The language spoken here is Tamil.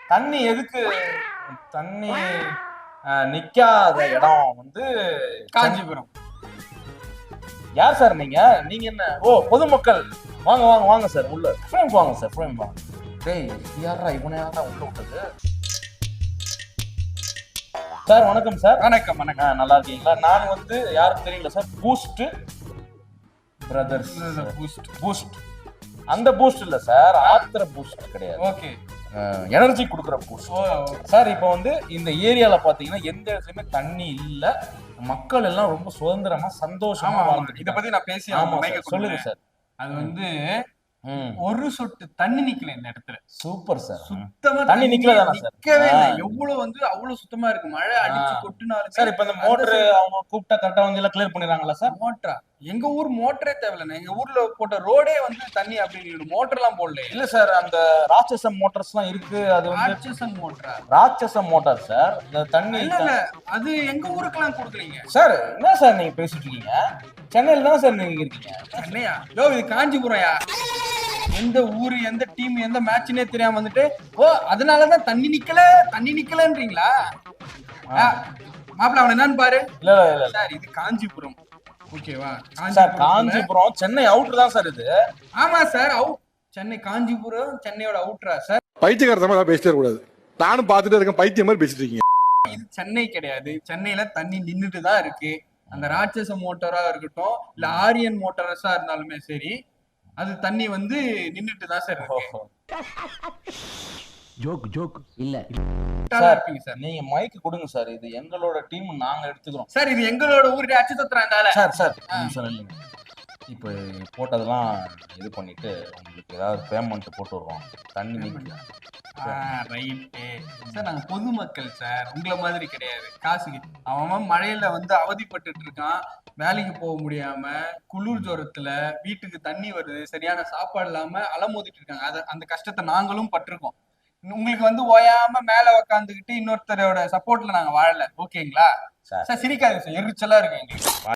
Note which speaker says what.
Speaker 1: தண்ணி எதுக்கு தண்ணி நிக்காத இடம் வந்து
Speaker 2: காஞ்சிபுரம்.
Speaker 1: யார் சார் நீங்க நீங்க என்ன ஓ பொதுமக்கள் வாங்க வாங்க வாங்க சார் உள்ள ஃப்ரேம் வாங்க சார் ஃப்ரேம் வாங்க டேய் யாரா இவனை யாரா உள்ள விட்டது சார் வணக்கம் சார்
Speaker 2: வணக்கம் வணக்கம்
Speaker 1: நல்லா இருக்கீங்களா நான் வந்து யாரும் தெரியல சார் பூஸ்ட் பிரதர்ஸ் பூஸ்ட் அந்த பூஸ்ட் இல்ல சார் ஆத்திர பூஸ்ட் கிடையாது
Speaker 2: ஓகே
Speaker 1: எனர்ஜி கொடுக்குற பூஸ்ட் சார் இப்போ வந்து இந்த ஏரியால பாத்தீங்கன்னா எந்த இடத்துலயுமே தண்ணி இல்ல மக்கள் எல்லாம் ரொம்ப சுதந்திரமா சந்தோஷமா வாழ்ந்துட்டு
Speaker 2: இத பத்தி நான் பேசி
Speaker 1: சொல்லுங்க சார்
Speaker 2: அது வந்து ஒரு சொட்டு தண்ணி நிக்கல இந்த இடத்துல.
Speaker 1: Super sir.
Speaker 2: சுத்தமா
Speaker 1: தண்ணி நிக்கலதானா சார்?
Speaker 2: நிக்கவே இல்லை. எவ்வளவு வந்து அவ்வளவு சுத்தமா இருக்கு. மழை அடிச்சு கொட்டுனாலும்
Speaker 1: சார் இப்ப இந்த மோட்டர் அவங்க கூப்பிட்டா கரெக்டா வந்து எல்லாம் கிளியர் பண்ணிடுறாங்களா சார்?
Speaker 2: மோட்டரா எங்க ஊர் மோட்டரே தேவையில்லை. எங்க ஊர்ல போட்ட ரோடே வந்து தண்ணி அப்படின்னு மோட்டர் எல்லாம் போடல.
Speaker 1: இல்ல சார் அந்த ராட்சசம் மோட்டர்ஸ் எல்லாம் இருக்கு. அது வந்து
Speaker 2: ராட்சசம் மோட்டரா?
Speaker 1: ராட்சசம் மோட்டார் சார். இந்த தண்ணி
Speaker 2: இல்ல அது எங்க ஊருக்கெல்லாம் கொடுக்குறீங்க
Speaker 1: சார். என்ன சார் நீங்க பேசிட்டு இருக்கீங்க? சென்னையில தான் சார் நீங்க இருக்கீங்க.
Speaker 2: சென்னையா? யோ இது காஞ்சிபுரம்யா. எந்த ஊரு எந்த டீம் எந்த மேட்ச்னே தெரியாம வந்துட்டு ஓ அதனாலதான் தண்ணி நிக்கலன்றீங்களா? மாப்பிள்ள அவன் என்னன்னு பாரு.
Speaker 1: இல்ல இல்ல
Speaker 2: சார் இது காஞ்சிபுரம் ஓகேவா?
Speaker 1: சார் காஞ்சிபுரம் சென்னை அவுட்டர் தான் சார் இது.
Speaker 2: ஆமா சார் அவுட். சென்னை காஞ்சிபுரம் சென்னையோட அவுட்டரா சார்?
Speaker 3: பைத்தியக்காரத்தமா பேசிட்டே கூடாது. நானும் பாத்துட்டே இருக்கேன் பைத்தியம் மாதிரி பேசிட்டு இருக்கீங்க.
Speaker 2: இது சென்னை கிடையாது. சென்னையில தண்ணி நின்றுட்டு தான் இருக்கு. அந்த ராட்சச மோட்டரா இருக்கட்டும் இல்ல ஆரியன் மோட்டரஸா இருந்தாலுமே சரி அது தண்ணி வந்து நின்னுட்டு தான் சார் இருக்கு.
Speaker 4: ஜோக் இல்ல
Speaker 1: சார் நீங்க மைக் கொடுங்க சார். இது எங்களோட டீம் நாங்க எடுத்துக்கிறோம்
Speaker 2: சார். இது எங்களோட ஊரு அச்சு தத்துறாங்க
Speaker 1: சார். சார் இல்லைங்க இப்போ போட்டதெல்லாம் இது பண்ணிட்டு உங்களுக்கு ஏதாவது பேமெண்ட் போட்டு விடுறோம். தண்ணி நிக்கல.
Speaker 2: Right sir. நாங்க பொதுமக்கள் சார். உங்களை மாதிரி கிடையாது. காசுக்கு அவன் மழையில வந்து அவதிப்பட்டு இருக்கான். வேலைக்கு போக முடியாம குளிர் ஜோரத்துல வீட்டுக்கு தண்ணி வருது சரியான சாப்பாடு இல்லாம அலமோதிட்டு இருக்காங்க. அந்த கஷ்டத்தை நாங்களும் பட்டிருக்கோம். உங்களுக்கு வந்து ஓயாம மேல உக்காந்துக்கிட்டு இன்னொருத்தரோட சப்போர்ட்ல நாங்க வாழல. ஓகேங்களா சார்? சிரிக்காது சார். எரிச்சலா இருக்கு எங்களுக்கு.